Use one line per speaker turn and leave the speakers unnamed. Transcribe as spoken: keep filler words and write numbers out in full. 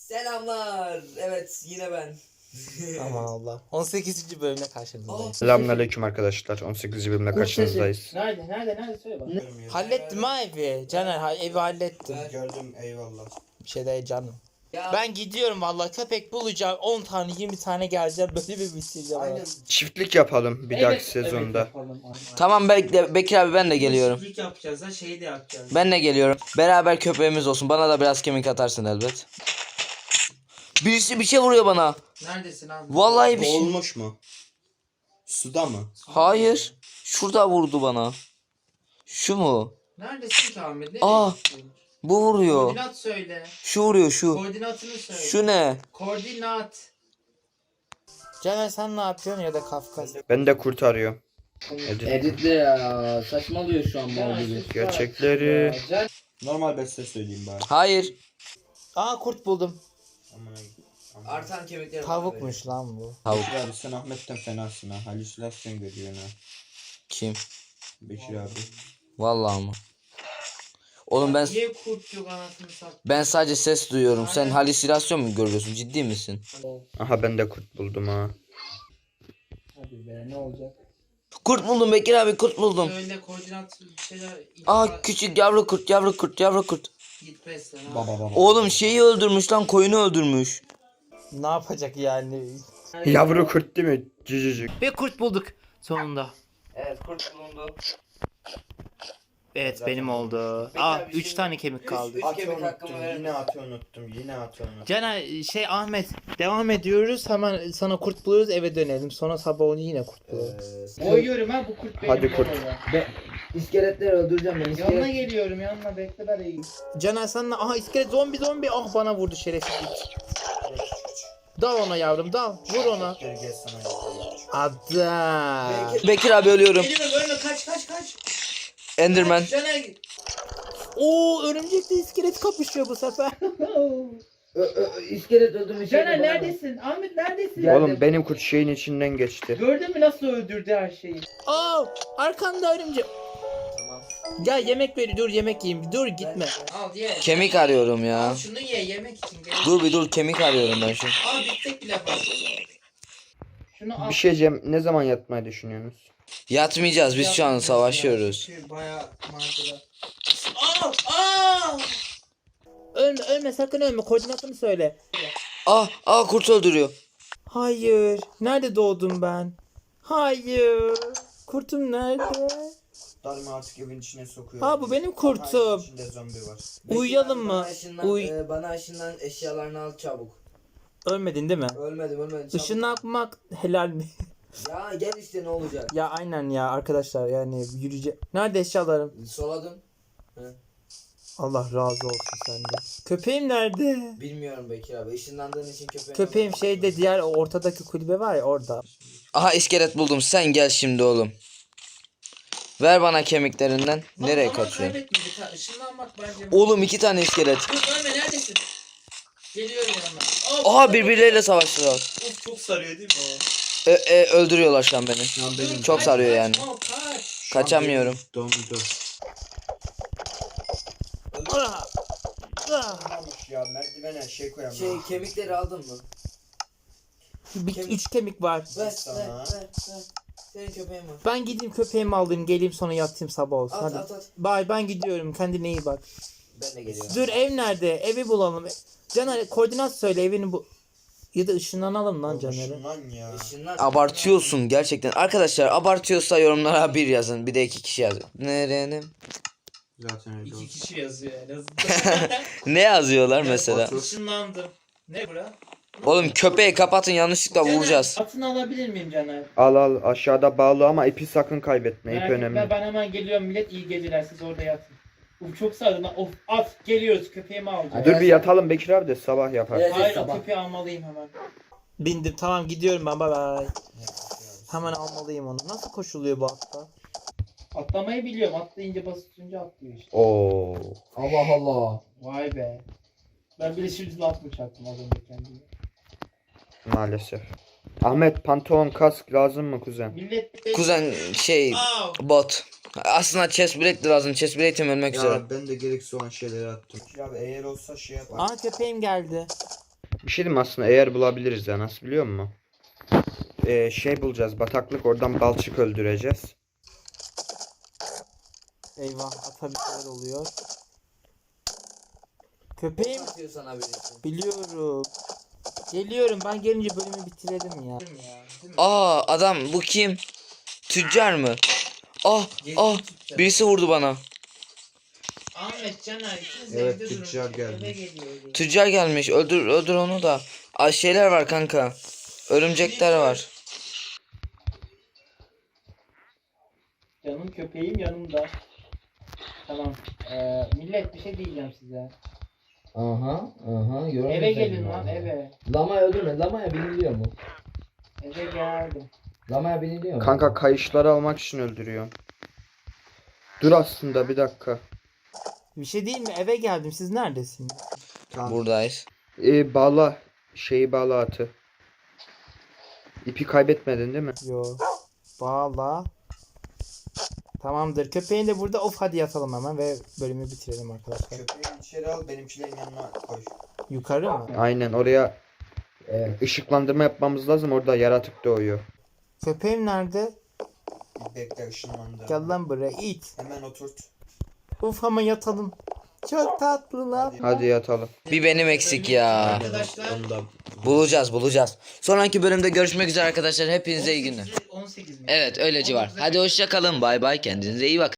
Selamlar. Evet yine ben.
Aman Allah. on sekizinci bölümle karşınızdayız.
Selamünaleyküm arkadaşlar. on sekizinci bölümle karşınızdayız.
Nerede? Nerede? Nerede? Söyle bak.
Hallettim ha evi. Caner ha, evi hallettim.
Gördüm, eyvallah.
Bir şey değil canım.
Ya,
Ben gidiyorum vallahi köpek bulacağım. on tane yirmi tane geleceğim. Böyle bir bitireceğim.
aynen.
Çiftlik yapalım bir dahaki sezonda.
yapalım.
Tamam bekle Bekir abi ben de geliyorum.
Çiftlik yapacağız ha şeyi de yapacağız.
Ben de geliyorum. Beraber köpeğimiz olsun. Bana da biraz kemik atarsın elbet. Birisi bir şey vuruyor bana.
Neredesin abi?
Vallahi bir şey.
Olmuş mu? Suda mı?
Hayır. Şurada vurdu bana. Şu mu?
Neredesin ki Ahmet? Nereye
Aa.
gittin?
Bu vuruyor.
Koordinat söyle.
Şu vuruyor şu.
Koordinatını söyle.
Şu ne?
Koordinat. Caner sen ne yapıyorsun ya da Kafkas?
Ben de kurtarıyorum. Edit.
Editle ya. Saçmalıyor şu an mal gibi.
Gerçekleri. Normal beste söyleyeyim bari.
Hayır.
Aa kurt buldum.
Artan kemikler.
Tavukmuş lan bu.
Tavuk.
Bekir abi sen Ahmet'ten fenasın ha. Halüsinasyon görüyorsun ha.
Kim?
Bekir abi.
Vallahi mı? Oğlum ben
Niye kurt yok anasını sat?
ben sadece ses duyuyorum. Sen
Aynen.
halüsinasyon mu görüyorsun? Ciddi misin?
Aha ben de kurt buldum ha.
Hadi be ne olacak?
Kurt buldum Bekir abi, kurt buldum.
Söyle koordinat bir şeyler.
Aa küçük yavru kurt, yavru kurt, yavru kurt.
Git beslen ha.
Baba baba.
Oğlum şeyi öldürmüş lan, koyunu öldürmüş.
Ne yapacak yani?
Yavru kurt değil mi? Cücücük.
Ve kurt bulduk sonunda.
Evet kurt bulundu.
Evet benim oldu.
Peki
Aa
abi,
üç
şimdi
tane kemik kaldı.
üç kemik hakkımı verir
Yine
misin?
atı unuttum. Yine atı unuttum.
Caner şey Ahmet devam ediyoruz hemen sana kurt buluyoruz eve dönelim sonra sabah onu yine kurt buluyoruz. Koyuyorum ha bu kurt benim.
Hadi kurt.
İskeletleri öldüreceğim ben.
Yanına geliyorum yanına bekle ben iyiyim. Caner sen aha iskelet zombi zombi ah bana vurdu şerefsizlik. Dal ona yavrum dal vur ona. Adam.
Bekir abi ölüyorum.
Geliyorum ölme kaç kaç kaç.
Enderman.
Caner. Oo örümcekle iskelet kapışıyor bu sefer.
İskelet öldürmüş.
Caner neredesin? Ahmet neredesin?
Oğlum benim kurt şeyin içinden geçti.
Gördün mü nasıl öldürdü her şeyi?
Aa arkanda örümcek.
Tamam.
Gel yemek ver dur yemek yiyeyim dur gitme. Al ye.
Kemik arıyorum ya.
Al şunu ye yemek için gel.
Dur bir dur, kemik arıyorum ben şu.
Al bitecek bile fazla.
Şunu al.
Bir şey diyeceğim. Ne zaman yatmayı düşünüyorsunuz?
Yatmayacağız, biz şu an savaşıyoruz.
Çünkü bayağı macera. Aa! Aa! Ölme ölme sakın ölme koordinatını söyle.
Ah ah kurt öldürüyor.
Hayır. Nerede doğdum ben? Hayır. Kurtum nerede?
Darma artık evin içine sokuyor.
Ha bu benim kurtum.
İçinde zombi var.
Uyuyalım mı? Uy.
e, bana ışından eşyalarını al çabuk.
Ölmedin değil mi?
Ölmedim ölmedim. çabuk.
Işınlanmak helal mi?
Ya gel işte ne olacak?
Ya aynen ya arkadaşlar yani yürüyecek. Nerede eşyalarım?
Soladım.
Allah razı olsun senden. Köpeğim nerede?
Bilmiyorum Bekir abi. Işınlandığın için köpeğim.
Köpeğim şeyde diğer ortadaki kulübe var ya orada.
Aha iskelet buldum. Sen gel şimdi oğlum. Ver bana kemiklerinden. Nereye kaçıyorsun?
Işınlanmak bence.
Oğlum iki tane iskelet.
Dur ölme neredesin? Geliyorum yanına.
Aha birbirleriyle savaştılar.
Of çok sarıyor değil mi o?
E, e, öldürüyorlar şu an beni.
Şu an benim
Çok sarıyor yani.
Kaç, kaç.
Kaçamıyorum.
dondu.
Ah, ah.
Olmuş ya, merdivene şey koyamam.
Şey kemikleri aldın mı?
Bir,
Kemik-
üç kemik var.
Ver
Sana.
ver ver ver. Senin köpeğin var.
Ben gideyim köpeğimi alayım geleyim sonra yatayım sabah olsun.
At
Hadi.
at at.
Bye ben gidiyorum kendine iyi bak.
Ben de geliyorum.
Dur ev nerede? Evi bulalım. Caner koordinat söyle evini bu. Ya da ışınlanalım lan Caner'e.
Şundan ya.
Işınlan. Abartıyorsun gerçekten. Arkadaşlar abartıyorsa yorumlara bir yazın. Bir de iki kişi yazın. Nerenin?
Zaten öyle oldu.
kişi yazıyor en azından.
Ne yazıyorlar mesela?
otur.
Işınlandım. Ne bura?
Oğlum köpeği kapatın, yanlışlıkla vuracağız.
Atını alabilir miyim Caner?
Al al, aşağıda bağlı ama ipi sakın kaybetme. İp
Merak etme,
önemli.
ben hemen geliyorum millet iyi geceler siz orada yatın. Uf çok sardı lan of at geliyoruz köpeğimi alacağım.
Dur bir yatalım Bekir abi de sabah yapar.
Evet.
Hayır o
sabah.
köpeği almalıyım hemen.
Bindim tamam gidiyorum ben bye bye. Hemen almalıyım onu. Nasıl koşuluyor bu hatta?
Atlamayı biliyorum atlayınca basınca atlıyor işte.
Oo.
Allah Allah.
Vay be. Ben bile şimdi laf mı çaktım az önce kendime.
Maalesef. Ahmet pantolon kask lazım mı kuzen?
Millet
Kuzen şey bot. Aslında chest plate de lazım. Chest plate'im ölmek üzere.
ben de gereksiz olan şeyleri attım. Abi eğer olsa şey yap.
Aa köpeğim geldi.
Bir şey diyeyim mi aslında eğer bulabiliriz ya nasıl biliyor musun? Ee, şey bulacağız bataklık oradan balçık öldüreceğiz.
Eyvah ata bir şeyler oluyor. Köpeğim
Atıyor sana birisi.
biliyorum. Geliyorum ben gelince bölümü bitirelim ya.
Aa adam bu kim? Tüccar mı? Ah ah birisi vurdu bana.
Ahmet Caner ikiniz
Evet,
evde durun.
tüccar gelmiş.
Eve geliyor.
Tüccar gelmiş. Öldür öldür onu da. Aa şeyler var kanka. Örümcekler var.
Canım köpeğim yanımda. Tamam. Ee, millet bir şey diyeceğim size.
Aha aha.
Eve gelin lan eve.
Lama öldürme. Lamaya biniliyor mu?
Eve geldim.
Lamaya biniliyor mu?
Kanka kayışları almak için öldürüyorum. Dur aslında bir dakika.
Bir şey değil mi? Eve geldim. Siz neredesiniz?
Buradayız.
Ee, bağla. Şeyi bağla atı. İpi kaybetmedin değil mi?
Yo. Bağla. Tamamdır. Köpeğin de burada. Of hadi yatalım hemen ve bölümü bitirelim arkadaşlar.
Köpeği içeri al benimkilerin yanına koy.
Yukarı mı?
Aynen oraya e, ışıklandırma yapmamız lazım orada yaratık doğuyor.
Köpeğim nerede?
Bekle ışınlandı.
Gel lan buraya. it.
Hemen oturt.
Uf ama yatalım. Çok tatlılar.
Hadi yatalım.
Bir benim eksik ya.
Arkadaşlar.
Bulacağız bulacağız. Sonraki bölümde görüşmek üzere arkadaşlar. Hepinize iyi günler.
on sekiz mi?
Evet öyle civar. Hadi hoşça kalın. Bay bay. Kendinize iyi bakın.